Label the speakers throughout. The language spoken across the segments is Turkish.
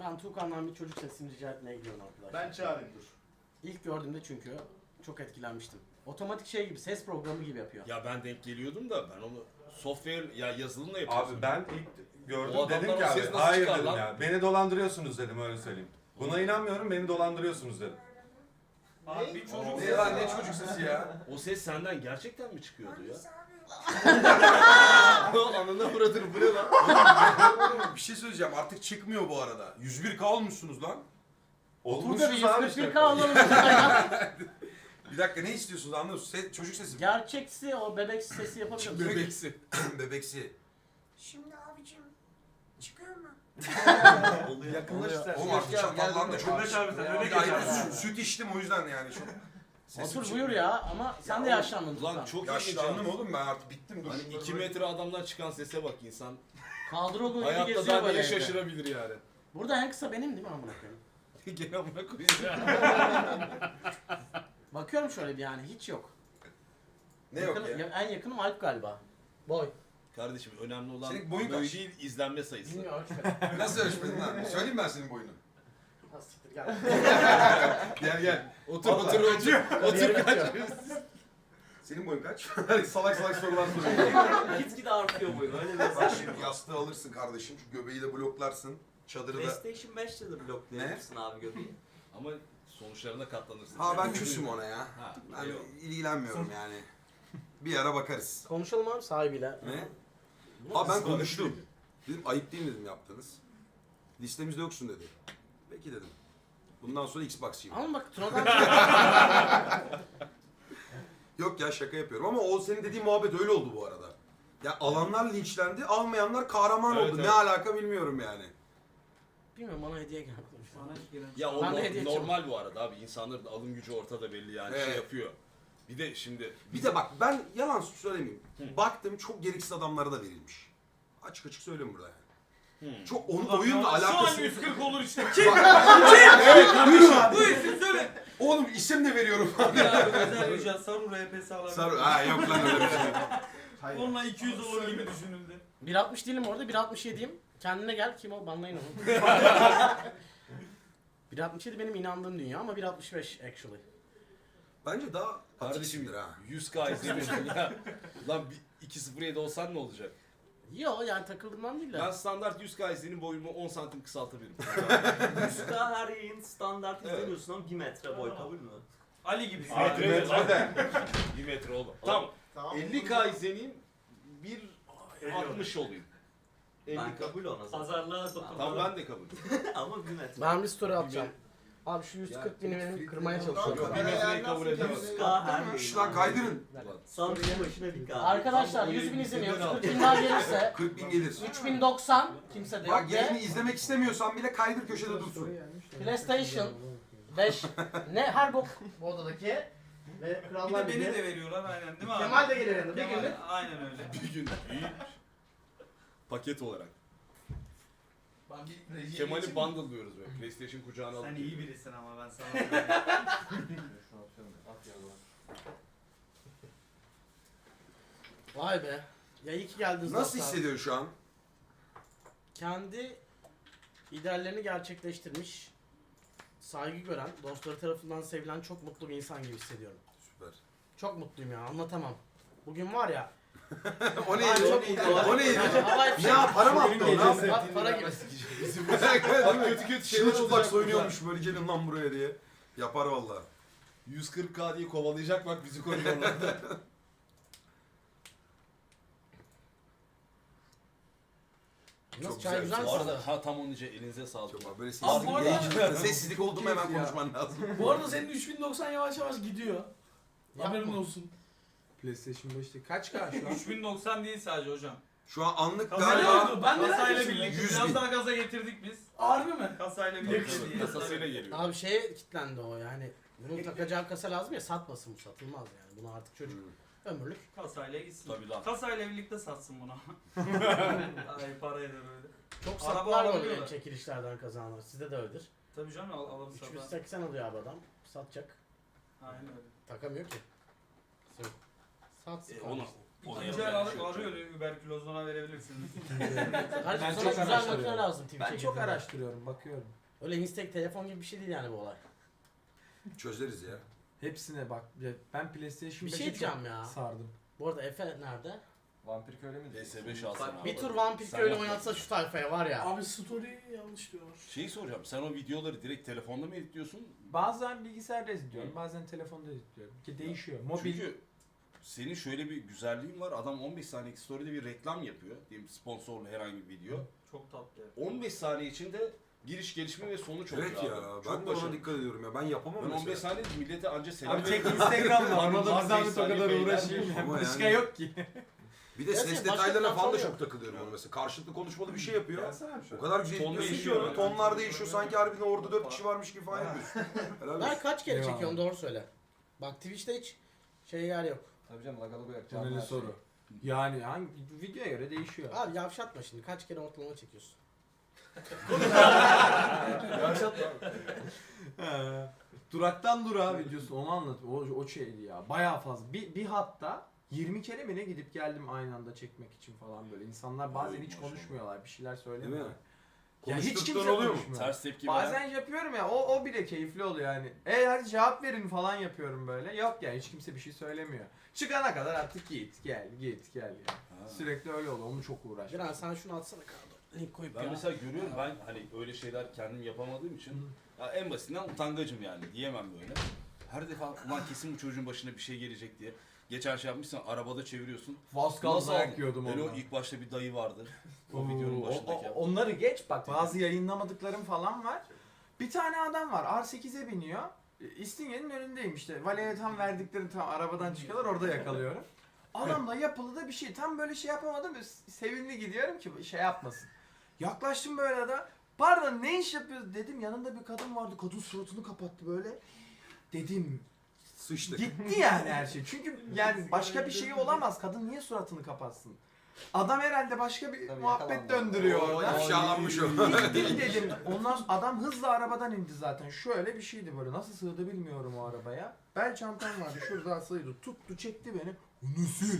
Speaker 1: Ben Tuğkan'dan bir çocuk sesini rica etmeye gidiyorum arkadaşlar.
Speaker 2: Ben çağırayım dur.
Speaker 1: İlk gördüğümde çünkü çok etkilenmiştim. Otomatik şey gibi, ses programı gibi yapıyor.
Speaker 3: Ya ben denk geliyordum da ben onu software ya yazılımla yapıyorsun.
Speaker 4: Abi ben ilk gördüm
Speaker 3: O
Speaker 4: dedim
Speaker 3: adamlar
Speaker 4: ki
Speaker 3: o
Speaker 4: abi
Speaker 3: ses nasıl
Speaker 4: hayır
Speaker 3: çıkar
Speaker 4: dedim
Speaker 3: lan?
Speaker 4: ya. Beni dolandırıyorsunuz dedim öyle söyleyeyim. Buna inanmıyorum beni dolandırıyorsunuz dedim.
Speaker 2: Abi bir çocuk
Speaker 5: Ne lan ne çocuk sesi ya?
Speaker 3: O ses senden gerçekten mi çıkıyordu ya? Anına vuradır bu ne lan?
Speaker 5: Bir şey söyleyeceğim artık çıkmıyor bu arada. 101K olmuşsunuz lan.
Speaker 1: Burada bir
Speaker 4: Olmuşuz abi
Speaker 1: 141
Speaker 4: işte.
Speaker 1: alalım.
Speaker 5: Bir dakika ne istiyorsunuz anlıyor musun? Çocuk sesi.
Speaker 1: Gerçeksi o bebek sesi yapabilir misin?
Speaker 5: Bebeksi. Bebeksi.
Speaker 6: Şimdi abicim çıkıyor mu?
Speaker 2: yakınlaş sen.
Speaker 5: Oğlum artık çatallandı çok.
Speaker 2: Yakınlaş abi sen. Öyle
Speaker 5: Ay,
Speaker 2: geç abi.
Speaker 5: süt içtim o yüzden yani çok. Sesim
Speaker 1: Otur
Speaker 5: çıkmıyor.
Speaker 1: buyur ya ama sen de yaşlandın
Speaker 3: Ulan
Speaker 1: Tuğkan.
Speaker 3: çok ilginç.
Speaker 5: Yaşlandım oğlum ben artık bittim. Dur.
Speaker 3: Hani 2 metre adamdan çıkan sese bak insan.
Speaker 1: Kadro gibi
Speaker 3: Hayatta
Speaker 1: geziyor
Speaker 3: daha
Speaker 1: böyle
Speaker 3: neye
Speaker 1: evde.
Speaker 3: şaşırabilir yani.
Speaker 1: Burada en kısa benim değil mi amına koyayım?
Speaker 3: Gene amına koyayım.
Speaker 1: Bakıyorum şöyle bir yani hiç yok.
Speaker 5: Ne yok
Speaker 1: Yakın-
Speaker 5: ya?
Speaker 1: En yakınım Alp galiba. Boy.
Speaker 3: Kardeşim önemli olan
Speaker 5: Senin boyun
Speaker 3: boyu
Speaker 5: kaç?
Speaker 3: değil izlenme sayısı.
Speaker 1: Bilmiyorum ölçmedim.
Speaker 5: Nasıl ölçmedin lan? Söyleyeyim ben senin boyunu.
Speaker 1: Ha, siktir gel.
Speaker 5: Gel gel.
Speaker 3: Otur
Speaker 5: Vallahi.
Speaker 3: otur kaç.
Speaker 5: Senin boyun kaç? salak salak sorular soruyor.
Speaker 7: Gitgide artıyor boyun öyle bir
Speaker 5: Bak şimdi yastığı alırsın kardeşim. Şu göbeği de bloklarsın. Çadırı da.
Speaker 7: PlayStation 5'te de bloklayabilirsin abi göbeği.
Speaker 3: Ama sonuçlarına katlanırsın.
Speaker 5: Ha ben küsüm ona ya.
Speaker 3: Ha,
Speaker 5: Ben
Speaker 3: eyvallah.
Speaker 5: ilgilenmiyorum yani. Bir ara bakarız.
Speaker 1: Konuşalım abi sahibiyle.
Speaker 5: Ne? Ha ben konuştum. Dedim ayıp değil mi dedim yaptınız. Listemizde yoksun dedi. Peki dedim. Bundan sonra Xbox'çıyım.
Speaker 1: Ama bak Tuna'dan
Speaker 5: Yok ya şaka yapıyorum ama o senin dediğin muhabbet öyle oldu bu arada. Ya alanlar linçlendi, almayanlar kahraman
Speaker 3: Evet,
Speaker 5: oldu.
Speaker 3: evet.
Speaker 5: Ne alaka bilmiyorum yani.
Speaker 1: bilmiyorum bana hediye geldi.
Speaker 3: Ya o
Speaker 1: Ben de hediye
Speaker 3: normal bu arada abi. İnsanların alım gücü ortada belli yani şey
Speaker 5: Evet.
Speaker 3: yapıyor. Bir de şimdi
Speaker 5: Bir de bak ben yalan söylemeyeyim. Baktım çok gereksiz adamlara da verilmiş. Açık açık söyleyeyim burada yani. Çok onun oyunla
Speaker 2: Şu an
Speaker 5: alakası.
Speaker 2: 140 olur işte.
Speaker 5: Bu
Speaker 2: isim söyle.
Speaker 5: Oğlum isim de veriyorum.
Speaker 2: Özel ücret Saru RPS alabilir.
Speaker 5: Sarı. Ha yok lan öyle bir şey.
Speaker 2: Onunla 200 olur gibi düşünüldü.
Speaker 1: 1.60 değilim orada 1.67'yim. Kendine gel kim o banlayın onu. 1.67 benim inandığım dünya ama 1.65 actually.
Speaker 5: Bence daha
Speaker 3: kardeşim
Speaker 5: atiksindir ha.
Speaker 3: 100K izlemiyorsun ya. Lan 2.07 olsan ne olacak?
Speaker 1: Yo yani takıldığımdan değil de.
Speaker 3: Ben standart 100K izlenim boyumu 10 santim kısaltabilirim.
Speaker 7: 100K her yayın standart izlemiyorsun ama 1 metre boy kabul mü?
Speaker 2: Ali gibi.
Speaker 4: Metre de.
Speaker 3: 1 metre oğlum. Tamam. 50K izleneyim 1.60 olayım.
Speaker 7: Ben
Speaker 3: 50K.
Speaker 7: kabul ona zaten.
Speaker 2: Pazarlığa
Speaker 3: Tamam ben de kabul.
Speaker 7: Ama 1 metre.
Speaker 1: Ben bir story atacağım. Abi şu 140 bini benim kırmaya
Speaker 3: Yok
Speaker 1: çalışıyorum.
Speaker 3: 1 metreyi kabul edemez.
Speaker 7: 100K her yayın.
Speaker 5: Şş lan kaydırın.
Speaker 7: Samsun'un başına bir K.
Speaker 1: Arkadaşlar 100 bin izleniyor. 40 bin daha gelirse
Speaker 5: 40 bin gelir.
Speaker 1: 3090 kimse de yok
Speaker 5: Bak yerini
Speaker 1: ve
Speaker 5: izlemek istemiyorsan bile kaydır köşede dursun.
Speaker 1: PlayStation 5 ne her bok bu odadaki ve
Speaker 2: Bir
Speaker 1: Krallar
Speaker 2: de beni
Speaker 1: Ligi.
Speaker 2: de veriyorlar aynen değil mi abi?
Speaker 1: Kemal de gelir yanında bir
Speaker 2: Kemal,
Speaker 1: günlük.
Speaker 2: aynen öyle.
Speaker 3: Bir gün iyi. Paket olarak.
Speaker 2: Ben bir rejiye
Speaker 3: Kemal'i
Speaker 2: geçeyim.
Speaker 3: bundle diyoruz böyle. PlayStation kucağına alıp.
Speaker 2: Sen iyi birisin ama ben sana söyleyeyim.
Speaker 1: Vay be. Ya iyi ki geldiniz.
Speaker 5: Nasıl
Speaker 1: dostlar.
Speaker 5: hissediyorsun şu an?
Speaker 1: Kendi ideallerini gerçekleştirmiş, saygı gören, dostları tarafından sevilen çok mutlu bir insan gibi hissediyorum.
Speaker 5: Süper.
Speaker 1: Çok mutluyum ya anlatamam. Bugün var ya.
Speaker 5: O neydi?
Speaker 1: çok mutluyum.
Speaker 5: O neydi?
Speaker 1: Havai fişek.
Speaker 5: Ya para mı attı o? Ne yaptı?
Speaker 1: Para gibi.
Speaker 3: Bak kötü kötü şeyler
Speaker 5: Çılçıplak
Speaker 3: olacak
Speaker 5: soyunuyormuş böyle gelin lan buraya diye. Yapar valla.
Speaker 3: 140K diye kovalayacak bak bizi koridorlarda.
Speaker 1: Nasıl
Speaker 5: Çok
Speaker 1: çay
Speaker 5: güzel.
Speaker 1: güzel
Speaker 3: Bu
Speaker 1: mi?
Speaker 3: arada ha tam onun için elinize sağlık.
Speaker 5: Çok abi böyle
Speaker 2: Abi bu arada-
Speaker 5: sessizlik oldu mu hemen konuşman lazım.
Speaker 8: Bu arada senin 3090 yavaş yavaş gidiyor. Haberin
Speaker 1: Yapma.
Speaker 8: olsun. PlayStation 5'te kaç K şu an?
Speaker 2: 3090 değil sadece hocam.
Speaker 5: Şu an anlık
Speaker 2: Kasayla,
Speaker 5: galiba
Speaker 8: Ben de
Speaker 2: kasayla
Speaker 8: neredeyim?
Speaker 2: birlikte
Speaker 5: 100
Speaker 2: biraz
Speaker 5: bin.
Speaker 2: daha gaza getirdik biz.
Speaker 8: Harbi mi?
Speaker 2: Kasayla birlikte değil.
Speaker 3: Kasasıyla geliyor.
Speaker 1: Abi şeye kilitlendi o yani. Bunun takacağı kasa lazım ya satmasın bu satılmaz yani. Bunu artık çocuk ömürlük.
Speaker 2: Kasayla gitsin.
Speaker 3: Tabii lan.
Speaker 2: Kasayla birlikte satsın bunu. Ay parayla böyle.
Speaker 1: Çok
Speaker 2: Araba
Speaker 1: satlar
Speaker 2: alabiliyorlar.
Speaker 1: oluyor çekilişlerden kazananlar. Sizde de öyledir.
Speaker 2: Tabii canım alıp satar.
Speaker 1: 380 alıyor abi adam. Satacak.
Speaker 2: Aynen öyle.
Speaker 1: Takamıyor ki. Satsın
Speaker 3: Onu
Speaker 1: kardeşim.
Speaker 2: İkinci el arıyor, überkülozuna verebilirsiniz.
Speaker 1: Kardeşim
Speaker 8: Ben
Speaker 1: sana
Speaker 8: çok
Speaker 1: güzel
Speaker 8: araştırıyorum.
Speaker 1: makine lazım Twitch'e
Speaker 8: Ben çok
Speaker 1: girdiğinde.
Speaker 8: araştırıyorum, bakıyorum.
Speaker 1: Öyle Instek telefon gibi bir şey değil yani bu olay.
Speaker 5: Çözeriz ya.
Speaker 8: Hepsine bak. Ya ben PlayStation
Speaker 1: Bir
Speaker 8: 5'e
Speaker 1: şey
Speaker 8: çok
Speaker 1: diyeceğim ya.
Speaker 8: sardım.
Speaker 1: Bu arada Efe nerede?
Speaker 3: Vampir köyle mi?
Speaker 4: PS5 alsana abi.
Speaker 1: Bir tur Vampir
Speaker 4: Sen
Speaker 1: Köylü
Speaker 4: yap.
Speaker 1: oynatsa şu tayfaya var ya.
Speaker 9: Abi story yanlış diyorlar.
Speaker 4: Şeyi soracağım. Sen o videoları direkt telefonda mı editliyorsun?
Speaker 8: Bazen bilgisayarda izliyorum, bazen telefonda izliyorum. Ki değişiyor. Mobil.
Speaker 4: Çünkü senin şöyle bir güzelliğin var. Adam 15 saniyelik story'de bir reklam yapıyor. Diyelim sponsorlu herhangi bir video.
Speaker 7: Çok tatlı.
Speaker 4: 15 saniye içinde giriş, gelişme ve sonuç oluyor
Speaker 5: Evet ya.
Speaker 4: abi.
Speaker 5: Ben
Speaker 4: Çok
Speaker 5: de ona
Speaker 4: başarılı.
Speaker 5: dikkat ediyorum ya. Ben yapamam
Speaker 4: Ben 15
Speaker 5: mesela.
Speaker 4: saniye millete anca selam
Speaker 8: Abi tek
Speaker 4: veriyorum.
Speaker 8: Instagram var.
Speaker 4: Abi
Speaker 8: Ona da
Speaker 4: var
Speaker 8: bir zahmet o
Speaker 4: 5 saniye
Speaker 8: kadar
Speaker 4: beyler
Speaker 8: uğraşayım.
Speaker 4: diyor.
Speaker 5: Ama
Speaker 8: Başka
Speaker 5: yani-
Speaker 8: yok ki.
Speaker 5: Bir de
Speaker 1: Gerçi
Speaker 5: ses
Speaker 1: başka
Speaker 5: detaylarına falan da
Speaker 1: platform
Speaker 5: çok takılıyorum ona mesela. Karşılıklı konuşmalı bir şey yapıyor.
Speaker 3: Gelsene bir
Speaker 5: O
Speaker 3: şöyle.
Speaker 5: kadar güzel
Speaker 4: Ton
Speaker 5: ediyorsun ki
Speaker 4: değişiyor
Speaker 5: onu.
Speaker 4: yani.
Speaker 5: Tonlar değişiyor. Sanki harbiden orada 4 kişi varmış gibi falan yapıyorsun. Helal
Speaker 1: Ben
Speaker 5: olsun.
Speaker 1: kaç kere
Speaker 8: Eyvallah.
Speaker 1: çekiyorum doğru söyle. Bak Twitch'te hiç yer yok.
Speaker 3: Tabii canım lagalı koyacağım.
Speaker 8: Önemli soru. Yani hangi videoya göre değişiyor.
Speaker 1: Abi yavşatma şimdi kaç kere ortalama çekiyorsun.
Speaker 8: Duraktan durağa videosu onu anlat. O şeydi ya. Bayağı fazla. Bir hatta 20 kere mi ne gidip geldim aynı anda çekmek için falan böyle. İnsanlar bazen hiç konuşmuyorlar. Bir şeyler söylemiyorlar.
Speaker 5: Değil mi?
Speaker 8: Ya hiç
Speaker 5: Konuştuktan
Speaker 8: kimse
Speaker 5: oluyor mu?
Speaker 8: konuşmuyor.
Speaker 4: Ters tepki
Speaker 8: Bazen
Speaker 4: veren.
Speaker 8: yapıyorum ya o bile keyifli oluyor yani. Hadi cevap verin falan yapıyorum böyle. Yok yani hiç kimse bir şey söylemiyor. Çıkana kadar artık git gel ya.
Speaker 4: Ha.
Speaker 8: Sürekli öyle oluyor. Onu çok uğraşıyorum.
Speaker 1: Diren sen şunu atsana kanka. Link koyup
Speaker 4: Ben
Speaker 1: ya.
Speaker 4: mesela görüyorum ben hani öyle şeyler kendim yapamadığım için ya en basitinden utangacım yani diyemem böyle. Her defa ulan kesin bu çocuğun başına bir şey gelecek diye. Geçen şey yapmışsın arabada çeviriyorsun.
Speaker 8: Vaskal
Speaker 4: Nasıl
Speaker 8: dayak
Speaker 4: aldın?
Speaker 8: yiyordum
Speaker 4: Öyle o
Speaker 8: ondan.
Speaker 4: ilk başta bir dayı vardı. O videonun başındaki.
Speaker 8: Onları geç bak bazı yayınlamadıklarım falan var. Bir tane adam var R8'e biniyor. İstinye'nin önündeyim işte. Valeye tam verdiklerini tam arabadan çıkıyorlar orada yakalıyorum. Adamla yapılı da bir şey. Tam böyle şey yapamadım. Sevimli gidiyorum ki şey yapmasın. Yaklaştım böyle de. Pardon ne iş yapıyoruz dedim. Yanında bir kadın vardı. Kadın suratını kapattı böyle. Dedim
Speaker 5: Sıçtık.
Speaker 8: gitti yani her şey. Çünkü yani başka bir şey olamaz. Kadın niye suratını kapatsın? Adam herhalde başka bir
Speaker 3: Tabii
Speaker 8: muhabbet
Speaker 3: yakalandı.
Speaker 8: döndürüyor
Speaker 5: Oo,
Speaker 8: orada.
Speaker 5: ifşalanmış o.
Speaker 8: Gittim dedim. Ondan sonra adam hızla arabadan indi zaten. Şöyle bir şeydi böyle. Nasıl sığdı bilmiyorum o arabaya. Bel çantam vardı. Şurada asılıydı. Tuttu çekti beni. Onu sil.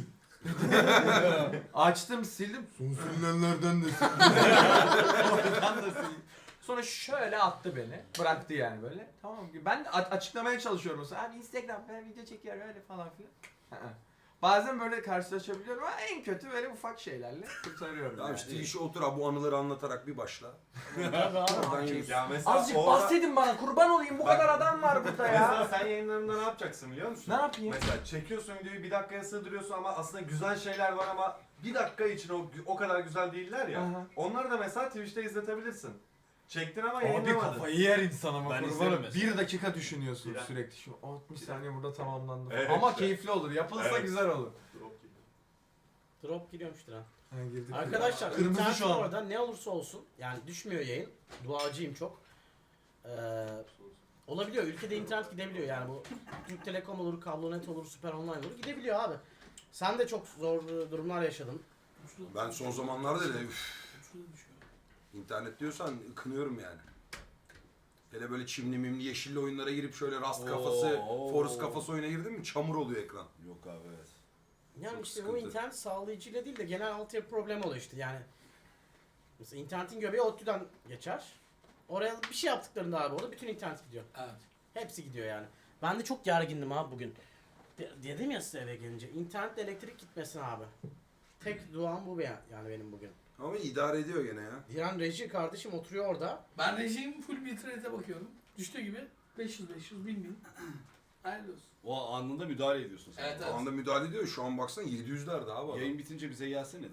Speaker 8: Açtım sildim. Son silinenlerden de sildim. Oradan da sildim. Sonra şöyle attı beni. Bıraktı yani böyle. Tamam ki ben de açıklamaya çalışıyorum mesela. Abi Instagram ben video çekiyorum öyle falan filan. Bazen böyle karşılaşabiliyorum ama en kötü böyle ufak şeylerle kurtarıyorum.
Speaker 5: Tamam
Speaker 8: yani.
Speaker 5: işte işe otur abi bu anıları anlatarak bir başla.
Speaker 1: Tabii abi.
Speaker 5: Oradan yürü.
Speaker 4: Ya mesela
Speaker 8: Azıcık bahsedin bana kurban olayım bu kadar adam var burada
Speaker 10: Mesela
Speaker 8: ya.
Speaker 10: sen yayınlarında ne yapacaksın biliyor musun?
Speaker 8: Ne yapayım?
Speaker 10: Mesela çekiyorsun videoyu bir dakikaya sığdırıyorsun ama aslında güzel şeyler var ama bir dakika için o kadar güzel değiller ya.
Speaker 8: Aha.
Speaker 10: Onları da mesela Twitch'te izletebilirsin. Çektin ama
Speaker 8: Abi
Speaker 10: yayınlamadın.
Speaker 8: kafayı yer insan ama
Speaker 4: Ben
Speaker 8: kurbanım.
Speaker 4: izlerim mesela.
Speaker 8: 1 dakika düşünüyorsun
Speaker 10: Bir
Speaker 8: sürekli. Şu 60 saniye burada tamamlandı.
Speaker 10: Evet
Speaker 8: Ama
Speaker 10: işte.
Speaker 8: keyifli olur. Yapılsa
Speaker 10: Evet.
Speaker 8: güzel olur.
Speaker 1: Drop giriyormuş Diren.
Speaker 8: Ha, girdik.
Speaker 1: Arkadaşlar
Speaker 8: Kırmızı
Speaker 1: internet
Speaker 8: şu an.
Speaker 1: orada ne olursa olsun yani düşmüyor yayın. Duacıyım çok. Olabiliyor. Ülkede internet gidebiliyor yani bu Türk Telekom olur, Kablonet olur, Süper Online olur gidebiliyor abi. Sen de çok zor durumlar yaşadın.
Speaker 5: Ben son zamanlarda da internet diyorsan kınıyorum yani. Hele böyle çimli mimli yeşilli oyunlara girip şöyle rast kafası, forest kafası oyuna girdin mi çamur oluyor ekran.
Speaker 4: Yok abi evet.
Speaker 1: Yani
Speaker 5: Çok
Speaker 1: işte
Speaker 5: sıkıntı.
Speaker 1: bu internet sağlayıcıyla değil de genel altyapı problemi oluyor işte yani. Mesela internetin göbeği ODTÜ'den geçer. Oraya bir şey yaptıklarında abi orada bütün internet gidiyor.
Speaker 9: Evet.
Speaker 1: Hepsi gidiyor yani. Ben de çok gergindim abi bugün. Dedim ya size eve gelince. İnternetle elektrik gitmesin abi. Tek duam bu yani benim bugün.
Speaker 5: Ama idare ediyor gene ya.
Speaker 1: Diren reji kardeşim oturuyor orada.
Speaker 9: Ben rejim full bitrate'e bakıyorum. Düştüğü gibi 500 1000. Hayırlı olsun.
Speaker 4: O anında müdahale ediyorsun sen.
Speaker 9: Evet
Speaker 5: O anda müdahale ediyor. Şu an baksana 700'lerde abi adam.
Speaker 4: Yayın bitince bize gelsene.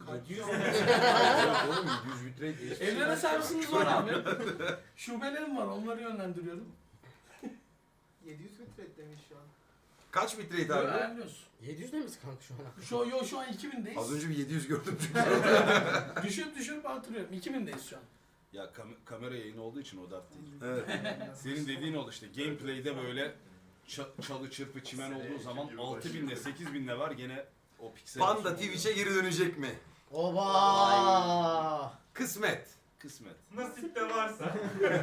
Speaker 5: Evet oğlum 700 bitrate değil.
Speaker 9: Evlere servisiniz var abi. Şubelerim var onları yönlendiriyorum.
Speaker 3: 700 bitrate demiş şu an.
Speaker 5: Kaç bitrate abi?
Speaker 9: Hayırlı olsun.
Speaker 1: 700 ne misin kanka şu an?
Speaker 9: Şu an 2000'deyiz.
Speaker 5: Az önce bir 700 gördüm.
Speaker 9: Düşürüp artırıyorum. 2000'deyiz şu an.
Speaker 4: Ya kamera yayını olduğu için o dert değil.
Speaker 5: Evet.
Speaker 4: Senin dediğin oldu işte gameplay'de böyle çalı çırpı çimen olduğu zaman 6000'le 8000'le var gene o piksel.
Speaker 5: Panda Twitch'e geri dönecek mi?
Speaker 1: Oba!
Speaker 5: Kısmet.
Speaker 4: Kısmet.
Speaker 10: Nasip de varsa.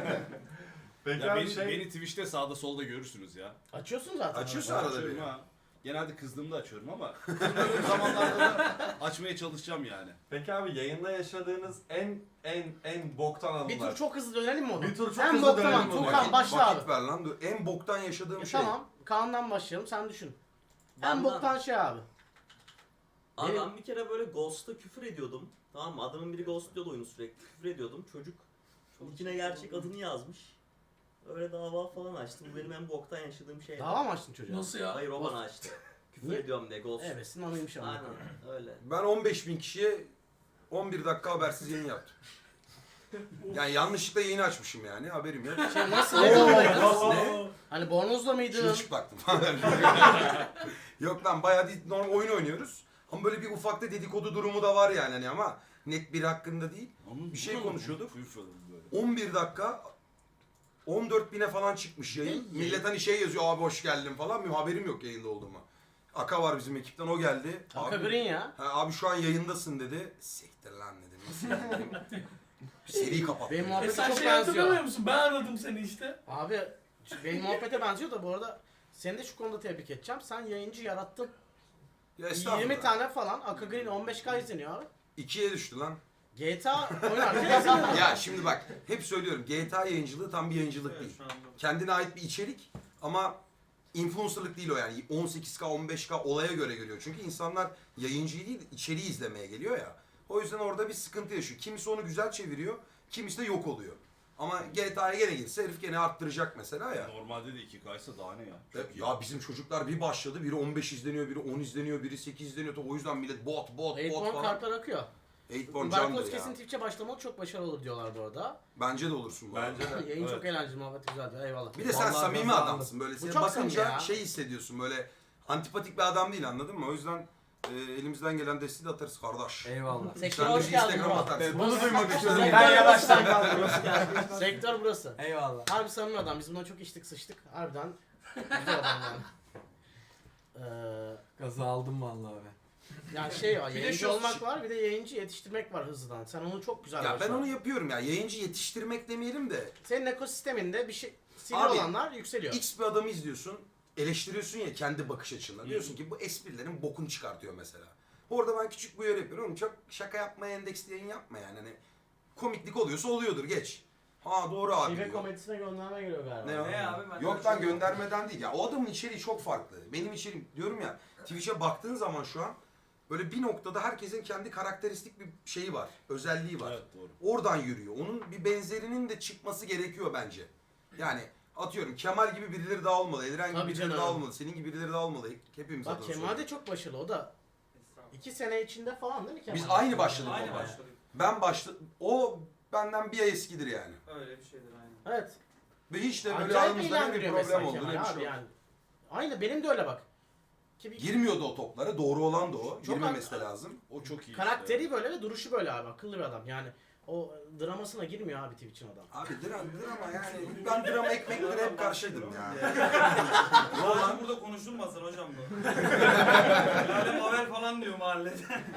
Speaker 10: Peki
Speaker 4: Ya
Speaker 10: abi
Speaker 4: beni Twitch'te sağda solda görürsünüz ya.
Speaker 1: Açıyorsun zaten.
Speaker 5: Açıyorsun
Speaker 1: arada.
Speaker 5: arada
Speaker 4: Açıyorum
Speaker 5: bir.
Speaker 4: ha. Genelde kızdığımda açıyorum ama kızdığım zamanlarda da açmaya çalışacağım yani.
Speaker 10: Peki abi yayında yaşadığınız en boktan
Speaker 1: Bir tur
Speaker 10: anılar.
Speaker 1: çok hızlı dönelim mi onu?
Speaker 10: Bir tur çok
Speaker 1: en
Speaker 10: hızlı
Speaker 1: boktan
Speaker 10: dönelim
Speaker 1: an.
Speaker 10: onu.
Speaker 1: Tuğkan başla abi.
Speaker 5: Vakit ver lan. Dur. En boktan yaşadığım şey.
Speaker 1: Tamam. Kaan'dan başlayalım. Sen düşün. En
Speaker 7: Benden-
Speaker 1: boktan şey abi.
Speaker 7: Abi
Speaker 1: Benim-
Speaker 7: ben bir kere böyle Ghost'a küfür ediyordum. Tamam mı? Adamın biri ghostluyordu oyunu sürekli. Küfür ediyordum. Çocuk içine gerçek adını yazmış. Öyle dava falan açtı. Bu benim en boktan yaşadığım şey.
Speaker 1: Dava mı açtın çocuğa?
Speaker 9: Nasıl ya?
Speaker 7: Hayır o bana açtı. Küfür
Speaker 1: Niye?
Speaker 7: ediyorum diye ghost.
Speaker 1: Evet, anıymış ama.
Speaker 7: Aynen öyle.
Speaker 5: Ben 15.000 kişiye 11 dakika habersiz yayın yaptım. Yani yanlışlıkla yayını açmışım yani haberim yok.
Speaker 1: Şey nasıl ne durumdaydın?
Speaker 5: Ne?
Speaker 1: Hani bornozla mıydın?
Speaker 5: Çırılçıplaktım falan. Yok lan bayağı değil, normal oyun oynuyoruz. Ama böyle bir ufakta dedikodu durumu da var yani hani ama net biri hakkında değil. Bir şey konuşuyorduk. 11 dakika 14.000'e falan çıkmış yayın. Millet hani şey yazıyor abi hoş geldin falan. Benim haberim yok yayında olduğuma. Aka var bizim ekipten o geldi.
Speaker 1: Aka
Speaker 5: Abi,
Speaker 1: Green ya.
Speaker 5: abi şu an yayındasın dedi. Siktir lan dedim. Nasıl yani dedim. Seri kapattım.
Speaker 1: Benim
Speaker 5: yani.
Speaker 1: muhabbete
Speaker 9: Sen
Speaker 1: çok
Speaker 9: şey hatırlamıyor
Speaker 1: benziyor.
Speaker 9: musun? Ben aradım seni işte.
Speaker 1: Abi benim muhabbete benziyor da bu arada seni de şu konuda tebrik edeceğim. Sen yayıncı yarattın.
Speaker 5: Ya estağfurullah.
Speaker 1: 20 tane falan. Aka Green 15K izleniyor abi.
Speaker 5: 2'ye düştü lan.
Speaker 1: GTA oynarken izleniyor.
Speaker 5: Ya şimdi bak hep söylüyorum GTA yayıncılığı tam bir yayıncılık değil. Kendine ait bir içerik ama influencerlık değil o yani. 18K 15K olaya göre geliyor. Çünkü insanlar yayıncıyı değil içeriği izlemeye geliyor ya. O yüzden orada bir sıkıntı yaşıyor. Kimisi onu güzel çeviriyor, kimisi de yok oluyor. Ama GTA'ya gene girse herif gene arttıracak mesela ya.
Speaker 4: Normalde de 2K'ysa daha ne ya? Çok iyi.
Speaker 5: Ya bizim çocuklar bir başladı, biri 15 izleniyor, biri 10 izleniyor, biri 8 izleniyor. O yüzden millet bot
Speaker 1: Eightborn
Speaker 5: falan.
Speaker 1: kartlar akıyor.
Speaker 5: 8born candır
Speaker 1: Barkos
Speaker 5: ya.
Speaker 1: kesin Twitch'e başlamalı çok başarılı olur diyorlar bu arada.
Speaker 5: Bence de olursun bu arada.
Speaker 10: Bence de.
Speaker 1: Yayın
Speaker 4: Evet.
Speaker 1: çok eğlenceli, muhabbet güzel diyor. Eyvallah.
Speaker 5: Bir de sen
Speaker 8: Vallahi
Speaker 5: samimi
Speaker 8: kazandım.
Speaker 5: adamsın böyle.
Speaker 1: Bu
Speaker 5: Seni
Speaker 1: çok
Speaker 5: bakınca
Speaker 1: samimi ya.
Speaker 5: şey hissediyorsun böyle antipatik bir adam değil anladın mı? O yüzden elimizden gelen desteği de atarız kardeş.
Speaker 8: Eyvallah.
Speaker 1: Sektör
Speaker 5: Sen de
Speaker 1: hoş
Speaker 5: bir
Speaker 1: geldin
Speaker 5: Instagram
Speaker 1: bro.
Speaker 5: atarsın.
Speaker 8: Bunu duymak istiyorum.
Speaker 1: Sektör
Speaker 8: Ben yavaştan
Speaker 1: burası.
Speaker 8: kaldım.
Speaker 1: Sektör burası.
Speaker 8: Eyvallah.
Speaker 1: Harbi samimi adam. Biz bundan çok içtik sıçtık. Harbiden güzel adam yani.
Speaker 8: Gazı aldım vallahi abi.
Speaker 1: Yani şey var,
Speaker 5: Bir de
Speaker 1: yayıncı
Speaker 5: şu-
Speaker 1: olmak var, bir de yayıncı yetiştirmek var hızlıdan. Sen onu çok güzel
Speaker 5: Ya ben
Speaker 1: başardın.
Speaker 5: onu yapıyorum ya. Yayıncı yetiştirmek demeyelim de
Speaker 1: Senin ekosisteminde bir şey sivri
Speaker 5: Abi,
Speaker 1: olanlar yükseliyor.
Speaker 5: X bir adamı izliyorsun. Eleştiriyorsun ya kendi bakış açınla. Diyorsun ki bu esprilerin bokunu çıkartıyor mesela. Orada ben küçük bir uyarı yapıyorum. Oğlum çok şaka yapmaya endeksli yayın yapma yani. Hani komiklik oluyorsa oluyordur geç. Ha doğru abi
Speaker 1: Şive
Speaker 5: diyor.
Speaker 1: komedisine gönderme geliyor galiba.
Speaker 5: Ne o?
Speaker 2: Ne abi? Ben
Speaker 5: Yok lan göndermeden değil ya. O adamın içeriği çok farklı. Benim içeriğim diyorum ya Twitch'e baktığın zaman şu an böyle bir noktada herkesin kendi karakteristik bir şeyi var. Özelliği var.
Speaker 4: Evet doğru.
Speaker 5: Oradan yürüyor. Onun bir benzerinin de çıkması gerekiyor bence. Yani atıyorum Kemal gibi birileri daha olmalı. Eliren gibi
Speaker 1: Tabii
Speaker 5: birileri
Speaker 1: canım.
Speaker 5: daha olmalı. Senin gibi birileri daha olmalı. Hepimiz
Speaker 1: Bak
Speaker 5: adına
Speaker 1: Kemal de
Speaker 5: söylüyorum.
Speaker 1: çok başarılı, o da 2 sene içinde falan değil mi Kemal?
Speaker 5: Biz aynı başladık
Speaker 2: Aynı
Speaker 5: ama.
Speaker 2: başladık.
Speaker 5: Ben o benden bir ay eskidir yani.
Speaker 2: Öyle bir şeydir aynen.
Speaker 1: Evet.
Speaker 5: Ve hiç de böyle
Speaker 1: Acayip
Speaker 5: aramızda ne bir
Speaker 1: eğlendiriyor
Speaker 5: problem
Speaker 1: mesela
Speaker 5: oldu ne
Speaker 1: Kemal
Speaker 5: bir
Speaker 1: abi
Speaker 5: şey oldu.
Speaker 1: yani. Aynı benim de öyle bak. Ki bir
Speaker 5: Girmiyordu o toplara. Doğru olan da o.
Speaker 1: Çok
Speaker 5: Girmemesi de lazım.
Speaker 4: O çok iyi.
Speaker 1: karakteri
Speaker 4: işte.
Speaker 1: böyle ve duruşu böyle abi, akıllı bir adam yani. O dramasına girmiyor abi Twitch'in adam.
Speaker 5: Abi drama yani. Ben drama ekmeklere hep karşıydım ya.
Speaker 2: Hocam burada konuşulmasın hocam bu. Yani Mavel falan diyor mahallede.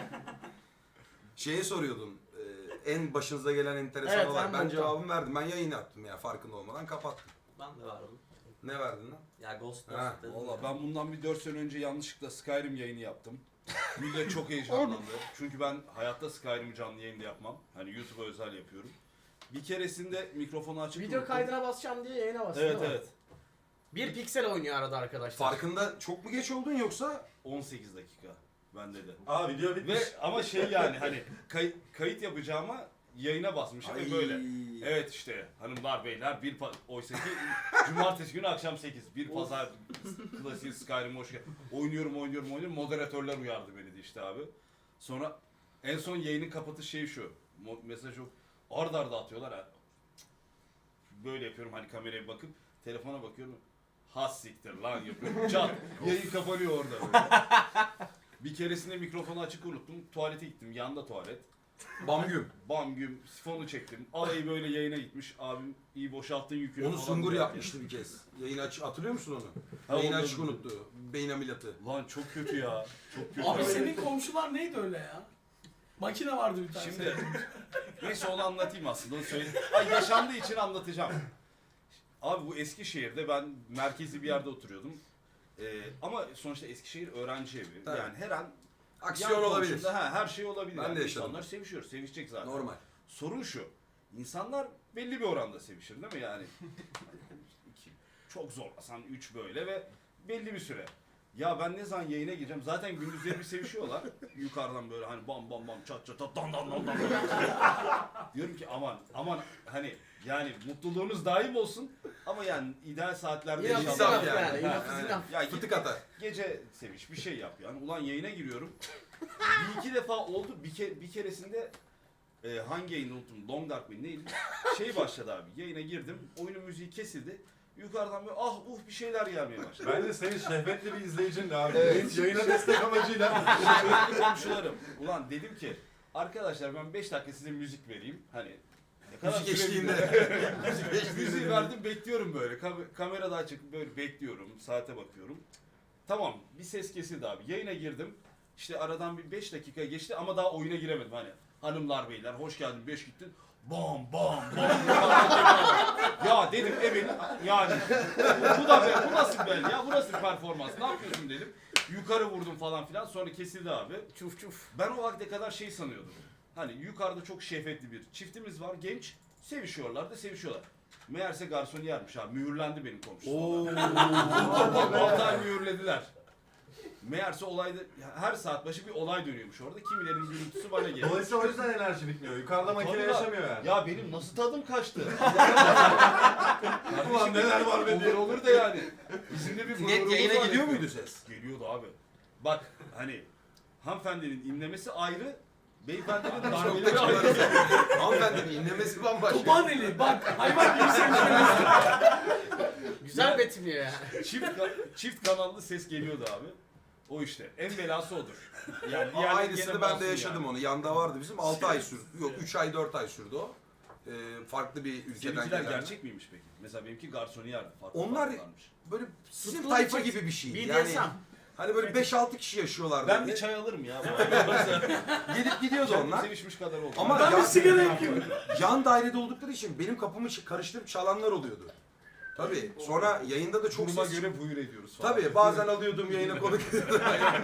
Speaker 5: Şeye soruyordun. En başınıza gelen enteresan
Speaker 1: Evet,
Speaker 5: olay.
Speaker 1: en
Speaker 5: Ben
Speaker 1: boktan.
Speaker 5: cevabımı verdim. Ben yayın yaptım ya farkında olmadan kapattım.
Speaker 7: Ben de vardım.
Speaker 5: Ne verdin lan?
Speaker 7: Ya Ghost
Speaker 5: Ha,
Speaker 7: dedim
Speaker 4: Valla
Speaker 7: ya.
Speaker 4: ben bundan bir 4 sene önce yanlışlıkla Skyrim yayını yaptım. Millet çok heyecanlandı. Çünkü ben hayatta Skyrim'i canlı yayında yapmam. Hani YouTube'a özel yapıyorum. Bir keresinde mikrofonu açıp
Speaker 1: Video
Speaker 4: unuttum.
Speaker 1: kaydına basacağım diye yayına bastı.
Speaker 4: Evet
Speaker 1: değil mi?
Speaker 4: evet.
Speaker 1: Bir piksel oynuyor arada arkadaşlar.
Speaker 5: Farkında çok mu geç oldun yoksa?
Speaker 4: 18 dakika bende de.
Speaker 10: Aa video bitmiş.
Speaker 4: Ve ama şey yani hani kayıt yapacağıma yayına basmışım ve böyle. Evet işte hanımlar beyler oysa ki cumartesi günü akşam 8 bir pazar klasik Skyrim hoş geldin. Oynuyorum moderatörler uyardı beni de işte abi. Sonra en son yayının kapatış şeyi şu. Mesaj yok. Arda atıyorlar ha. Böyle yapıyorum hani kameraya bakıp telefona bakıyorum. Has siktir lan yapıyorum. Çat. Yayın kapanıyor orada böyle. Bir keresinde mikrofonu açık unuttum. Tuvalete gittim. Yanda tuvalet.
Speaker 5: Bamgüm.
Speaker 4: Bam güm sifonu çektim. Alayı böyle yayına gitmiş. Abim iyi boşalttın yükünü
Speaker 5: Onu
Speaker 4: falan
Speaker 5: Sungur
Speaker 4: diyor.
Speaker 5: yapmıştı bir kez. Yayın açık hatırlıyor musun onu?
Speaker 4: Ha,
Speaker 5: Yayın
Speaker 4: onu
Speaker 5: açık
Speaker 4: da-
Speaker 5: unuttu. Beyin ameliyatı.
Speaker 4: Lan çok kötü ya. Çok kötü.
Speaker 9: Abi senin komşular neydi öyle ya? Makine vardı bir tane.
Speaker 4: Şimdi neyse onu anlatayım aslında. Onu söyleyeyim. Ay yaşandığı için anlatacağım. Abi bu Eskişehir'de ben merkezi bir yerde oturuyordum. Ama sonuçta Eskişehir öğrenci evi.
Speaker 5: Tabii.
Speaker 4: Yani her an
Speaker 5: Aksiyon
Speaker 4: yan
Speaker 5: olabilir.
Speaker 4: komşunda, her şey olabilir.
Speaker 5: Ben
Speaker 4: Yani
Speaker 5: de yaşadım.
Speaker 4: İnsanlar sevişiyor, sevişecek zaten.
Speaker 5: Normal.
Speaker 4: Sorun şu, insanlar belli bir oranda sevişir değil mi yani? İki, çok zorlasan 3 böyle ve belli bir süre. Ya ben ne zaman yayına gireceğim? Zaten gündüzleri bir sevişiyorlar. Yukarıdan böyle hani bam bam bam çat çat çat dan dan dan dan. Diyorum ki aman hani yani mutluluğunuz daim olsun ama yani ideal saatlerde
Speaker 1: Enough is
Speaker 4: inşallah-
Speaker 1: enough yani.
Speaker 4: Ha,
Speaker 1: Enough is
Speaker 5: yani.
Speaker 1: enough.
Speaker 4: ya git
Speaker 5: Fıtık atar.
Speaker 4: gece seviş bir şey yap yani. Ulan yayına giriyorum. Bir iki defa oldu. Bir keresinde hangi yayını unuttum. Long Dark mı neydi? Şey başladı abi. Yayına girdim. Oyunun müziği kesildi. Yukarıdan böyle bir şeyler gelmeye başladı.
Speaker 10: Bence senin şehvetli bir izleyicin de abi.
Speaker 4: Evet.
Speaker 10: Yayına destek amacıyla.
Speaker 4: Şehvetli komşularım. Ulan dedim ki arkadaşlar ben 5 dakika size müzik vereyim. Hani ne kadar
Speaker 5: Müzik
Speaker 4: süre
Speaker 5: eşliğinde.
Speaker 4: Müziği verdim bekliyorum böyle. Kamerada açık böyle bekliyorum. Saate bakıyorum. Tamam bir ses kesildi abi. Yayına girdim. İşte aradan bir 5 dakika geçti ama daha oyuna giremedim hani. Hanımlar beyler hoş geldin 5 gittin. Bam bam bam. Ya dedim evet yani bu nasıl ben ya bu nasıl performans ne yapıyorsun dedim. Yukarı vurdum falan filan sonra kesildi abi.
Speaker 1: Çuf çuf.
Speaker 4: Ben o vakte kadar şey sanıyordum. Hani yukarıda çok şehvetli bir çiftimiz var genç sevişiyorlar da sevişiyorlar. Meğerse garsoniyermiş abi mühürlendi benim komşum. 6 ay mühürlediler. Meğerse olayda her saat başı bir olay dönüyormuş orada. Kimilerin gürültüsü bana geliyor.
Speaker 10: Dolayısıyla o yüzden enerji bitmiyor. Yukarıda makine
Speaker 4: Tabii lan.
Speaker 10: yaşamıyor yani.
Speaker 4: Ya benim nasıl tadım kaçtı?
Speaker 10: Ulan neler var be diye.
Speaker 4: Olur da yani. Bizim de bir
Speaker 5: Net
Speaker 4: gururumuz
Speaker 5: yayına
Speaker 4: var
Speaker 5: gidiyor
Speaker 4: ya.
Speaker 5: muydu ses?
Speaker 4: Geliyordu abi. Bak hani hanımefendinin inlemesi ayrı, beyefendinin darbeleri ayrı.
Speaker 5: Hanımefendinin inlemesi bambaşka.
Speaker 9: Topaneli bak hayvan gibi sevişiyoruz.
Speaker 1: Güzel betimliyor yani.
Speaker 4: Çift kanallı ses geliyordu abi. O işte. En belası odur. Yani
Speaker 5: Aynısını ben de yaşadım onu. Yanda vardı bizim. 6 ay sürdü. Yok 3 ay 4 ay sürdü o. Farklı bir ülkeden
Speaker 4: Seninkiler
Speaker 5: gelen.
Speaker 4: gerçek miymiş peki? Mesela benimki garsoniyerdi. Farklı
Speaker 5: Onlar-
Speaker 4: farklılarmış.
Speaker 5: Böyle sizin
Speaker 1: Tutkulu
Speaker 5: tayfa
Speaker 1: bir çift.
Speaker 5: gibi bir şeydi.
Speaker 1: BDSM.
Speaker 5: Yani hani böyle 5-6 kişi yaşıyorlardı.
Speaker 4: Ben bir çay alırım ya.
Speaker 5: Gelip gidiyordu
Speaker 4: Kendim
Speaker 5: onlar.
Speaker 4: sevişmiş kadar oldu.
Speaker 5: Ama
Speaker 9: Ben bir sigara yakıyorum.
Speaker 5: yan dairede oldukları için benim kapımı karıştırıp çalanlar oluyordu. Tabii. Sonra yayında da çok
Speaker 4: duruma
Speaker 5: ses
Speaker 4: göre buyur ediyoruz falan.
Speaker 5: Tabii bazen alıyordum yayına konuk ediyordum.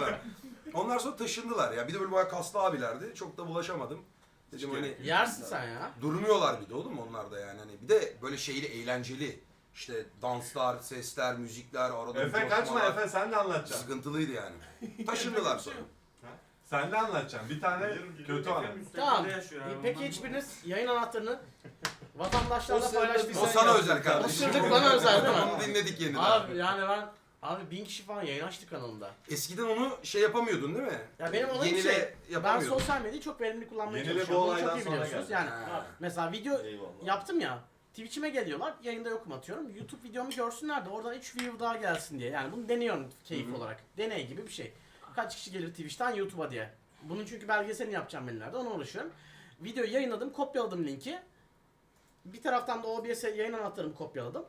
Speaker 5: Onlar sonra taşındılar ya. Bir de böyle bayağı kaslı abilerdi. Çok da bulaşamadım. Dedim hani
Speaker 1: Yersin sen ya.
Speaker 5: durmuyorlar bir de oğlum onlar da yani. Hani bir de böyle şeyli eğlenceli. İşte danslar, sesler, müzikler, arada
Speaker 10: Efe kaçma
Speaker 5: coşmalar.
Speaker 10: Efe sen de anlatacaksın.
Speaker 5: Sıkıntılıydı yani. Taşındılar sonra.
Speaker 10: Sen de anlatacaksın. Bir tane kötü anı.
Speaker 1: Tamam. Peki hiçbiriniz yayın anahtarını vatandaşlarla paylaştıysanız.
Speaker 5: O sana özel kardeşim.
Speaker 1: O sırlık bana özel değil mi?
Speaker 5: Onu dinledik yeniden.
Speaker 1: Abi yani abi 1000 kişi falan yayın açtı kanalımda.
Speaker 5: Eskiden onu şey yapamıyordun değil mi?
Speaker 1: Ya benim olayım
Speaker 5: Yenile
Speaker 1: şey, ben
Speaker 5: yapamıyordun.
Speaker 1: sosyal medyayı çok verimli kullanmaya
Speaker 10: Yenile bu
Speaker 1: çalışıyorum. Bunu
Speaker 10: olaydan
Speaker 1: çok iyi
Speaker 10: sonra
Speaker 1: biliyorsunuz.
Speaker 10: geldi.
Speaker 1: Yani
Speaker 5: Ha.
Speaker 1: mesela video
Speaker 4: Eyvallah.
Speaker 1: yaptım ya. Twitch'ime geliyorlar, yayında yokum atıyorum. YouTube videomu görsünler de oradan 3 view daha gelsin diye. Yani bunu deniyorum keyif olarak. Deney gibi bir şey. Kaç kişi gelir Twitch'ten YouTube'a diye. Bunun çünkü belgeselini yapacağım ben ileride, ona uğraşıyorum. Videoyu yayınladım, kopyaladım linki. Bir taraftan da OBS yayın anahtarımı kopyaladım.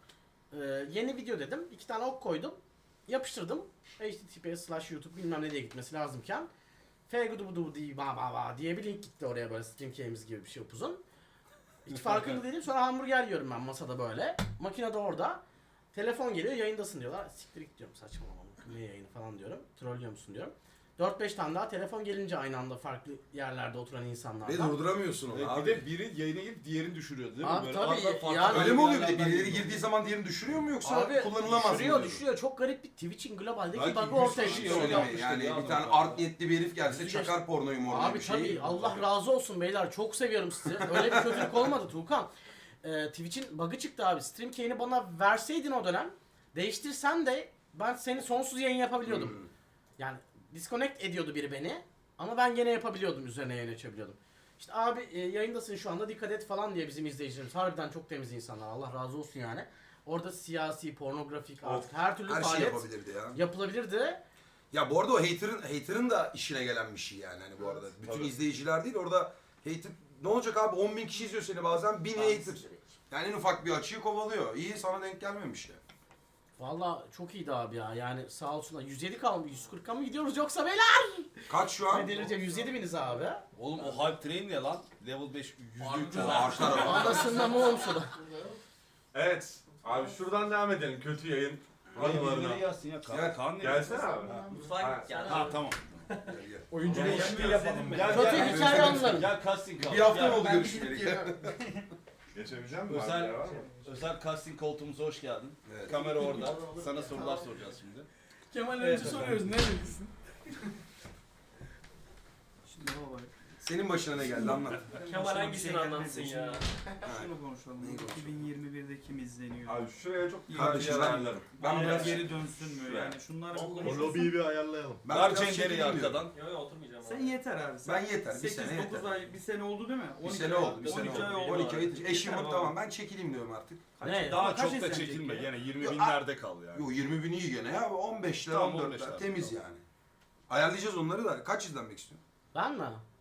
Speaker 1: Yeni video dedim, 2 tane ok koydum. Yapıştırdım. https/youtube bilmem ne diye gitmesi lazımken. fgudubudu diye bir link gitti oraya böyle stream key'imiz gibi bir şey upuzun. Hiç farkında değilim. Sonra hamburger yiyorum ben masada böyle. Makine de orada. Telefon geliyor, yayındasın diyorlar. Siktir git diyorum, saçmalama. Ne yayını falan diyorum. Trollüyor musun diyorum. 4-5 tane daha telefon gelince aynı anda farklı yerlerde oturan
Speaker 5: Ve
Speaker 1: insanlardan.
Speaker 5: durduramıyorsun onu
Speaker 4: Evet,
Speaker 5: abi.
Speaker 4: bir de biri yayına girip diğerini düşürüyordu değil mi?
Speaker 1: Abi
Speaker 4: Böyle
Speaker 1: tabii,
Speaker 4: arada farklı
Speaker 1: yani-
Speaker 5: Öyle mi oluyor bir de?
Speaker 4: yerlerden
Speaker 5: Birileri
Speaker 4: geliyor.
Speaker 5: girdiği zaman diğerini düşürüyor mu yoksa
Speaker 1: Abi
Speaker 5: kullanılamaz mı?
Speaker 1: düşürüyor
Speaker 5: diyor?
Speaker 1: düşürüyor. Çok garip bir Twitch'in globaldeki
Speaker 4: Belki
Speaker 1: bug'ı
Speaker 4: 100
Speaker 1: ortaya
Speaker 4: kişi
Speaker 1: çıkıyor.
Speaker 5: Şöyle
Speaker 4: yapmıştır
Speaker 5: mi? Yani
Speaker 4: ya
Speaker 5: bir tane
Speaker 4: adam.
Speaker 5: art niyetli bir herif gelse çakar pornoyu morluyor
Speaker 1: Abi
Speaker 5: bir şey.
Speaker 1: tabii Allah razı olsun beyler, çok seviyorum sizi. Öyle bir kötülük olmadı Tuğkan. Twitch'in bug'ı çıktı abi. Stream key'ini bana verseydin o dönem, değiştirsen de ben seni sonsuz yayın yapabiliyordum. Yani disconnect ediyordu biri beni ama ben gene yapabiliyordum, üzerine yayın açabiliyordum. İşte abi yayındasın şu anda, dikkat et falan diye bizim izleyicilerimiz harbiden çok temiz insanlar, Allah razı olsun yani. Orada siyasi, pornografik artık her türlü
Speaker 5: Her şey
Speaker 1: faaliyet
Speaker 5: yapabilirdi ya.
Speaker 1: yapılabilirdi.
Speaker 5: Ya bu arada o hater'ın da işine gelen bir şey yani hani bu arada. Bütün
Speaker 4: tabii.
Speaker 5: izleyiciler değil orada hater ne olacak abi 10.000 kişi izliyor seni bazen 1000 hater. Yani en ufak bir açığı kovalıyor. İyi sana denk gelmemiş ya.
Speaker 1: Valla çok iyiydi abi ya, yani sağ olsunlar. 107 kalmış, 140'a mı gidiyoruz yoksa beyler?
Speaker 5: Kaç şu an?
Speaker 1: Ne delireceğim, 107 biniz abi.
Speaker 4: Oğlum o hype train ne lan? Level 5 %300
Speaker 5: Arşlar ama.
Speaker 1: Anasından mı olmuş o da?
Speaker 10: Evet. Abi şuradan devam edelim. Kötü yayın
Speaker 4: Birileri yazsın ya.
Speaker 5: Gel.
Speaker 4: Kaan ne?
Speaker 10: Gelsene abi.
Speaker 7: Mutfağa gel.
Speaker 4: Ha tamam.
Speaker 8: Oyuncu değişikliği yapalım.
Speaker 4: Gel
Speaker 1: Kötü
Speaker 4: gel.
Speaker 1: hikaye anıları.
Speaker 4: Gel casting kal.
Speaker 5: Bir hafta mı
Speaker 4: Gel.
Speaker 5: oldu görüşmeyeli?
Speaker 10: Geçebileceğim mi?
Speaker 4: Özel,
Speaker 10: Var mı?
Speaker 4: özel casting koltuğumuza hoş geldin.
Speaker 5: Evet.
Speaker 4: Kamera orada. Sana sorular soracağız şimdi.
Speaker 9: Kemal önce soruyoruz. Ne dedin?
Speaker 5: Senin başına ne geldi anlat.
Speaker 11: Kemal hangisini anlatsın ya?
Speaker 2: Şunu konuşalım.
Speaker 5: Neyi konuşalım?
Speaker 2: 2021'de kim izleniyor?
Speaker 10: Abi şuraya çok iyi
Speaker 5: Kardeşim
Speaker 10: bir
Speaker 5: ben,
Speaker 10: ayarlarım.
Speaker 5: ben
Speaker 2: Biraz
Speaker 5: biraz
Speaker 2: geri dönsün mü? Yani şunlar
Speaker 10: O lobiyi bir ayarlayalım.
Speaker 5: ben
Speaker 4: Ver
Speaker 5: biraz
Speaker 4: Cender'i
Speaker 5: çekileyim diyorum.
Speaker 4: arkadan.
Speaker 11: Yok yok oturmayacağım.
Speaker 2: Sen
Speaker 11: abi.
Speaker 2: yeter abi.
Speaker 5: Ben yeter. Bir sene
Speaker 2: 8-9
Speaker 5: yeter.
Speaker 2: ay, bir sene oldu değil mi?
Speaker 5: Bir
Speaker 2: 12
Speaker 5: sene
Speaker 2: ay
Speaker 5: oldu. Bir sene
Speaker 2: 12 ay
Speaker 5: oldu.
Speaker 2: oldu.
Speaker 5: 12 ay. Eşim
Speaker 2: Yeter
Speaker 5: tamam
Speaker 2: abi.
Speaker 5: ben çekileyim diyorum artık.
Speaker 1: Ne?
Speaker 4: Daha
Speaker 2: Kaç
Speaker 4: çok da
Speaker 2: izlenecek
Speaker 4: çekilme.
Speaker 2: ya?
Speaker 4: Gene 20 binlerde kal yani.
Speaker 5: Yo 20 bin iyi gene ya. 15'ler
Speaker 4: Tamam,
Speaker 5: 14'ler
Speaker 4: 15'ler.
Speaker 5: temiz yani. Ayarlayacağız onları da. Kaç izlenmek istiyorsun?
Speaker 1: Ben mi?